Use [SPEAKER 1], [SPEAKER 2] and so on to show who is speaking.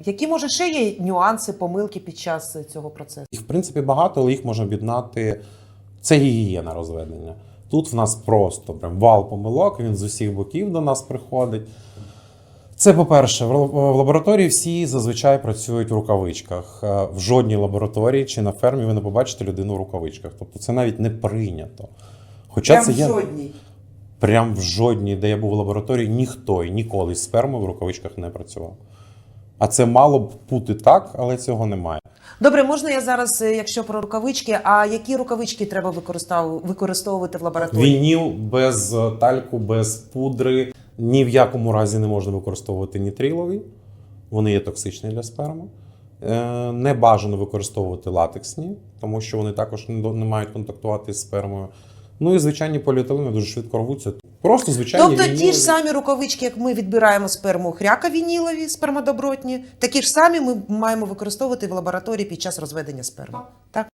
[SPEAKER 1] Які, може, ще є нюанси, помилки під час цього процесу?
[SPEAKER 2] Їх, в принципі, багато, але їх можна об'єднати. Це гігієна розведення. Тут в нас просто прям вал помилок, він з усіх боків до нас приходить. Це, по-перше, в лабораторії всі зазвичай працюють в рукавичках. В жодній лабораторії чи на фермі ви не побачите людину в рукавичках. Тобто це навіть не прийнято. Хоча
[SPEAKER 1] Прям
[SPEAKER 2] це
[SPEAKER 1] в
[SPEAKER 2] є...
[SPEAKER 1] жодній?
[SPEAKER 2] Прям в жодній, де я був в лабораторії, ніхто і ніколи з спермою в рукавичках не працював. А це мало б бути так, але цього немає.
[SPEAKER 1] Добре, можна я зараз, якщо про рукавички, а які рукавички треба використовувати в лабораторії?
[SPEAKER 2] Вініл без тальку, без пудри. Ні в якому разі не можна використовувати нітрилові. Вони є токсичні для сперми. Не бажано використовувати латексні, тому що вони також не мають контактувати з спермою. Ну і звичайні поліетилени дуже швидко рвуться. Просто звичайні
[SPEAKER 1] Тобто
[SPEAKER 2] вінілові.
[SPEAKER 1] ті ж самі рукавички, як ми відбираємо сперму хряка вінілові, спермодобротні, такі ж самі ми маємо використовувати в лабораторії під час розведення сперми. Так?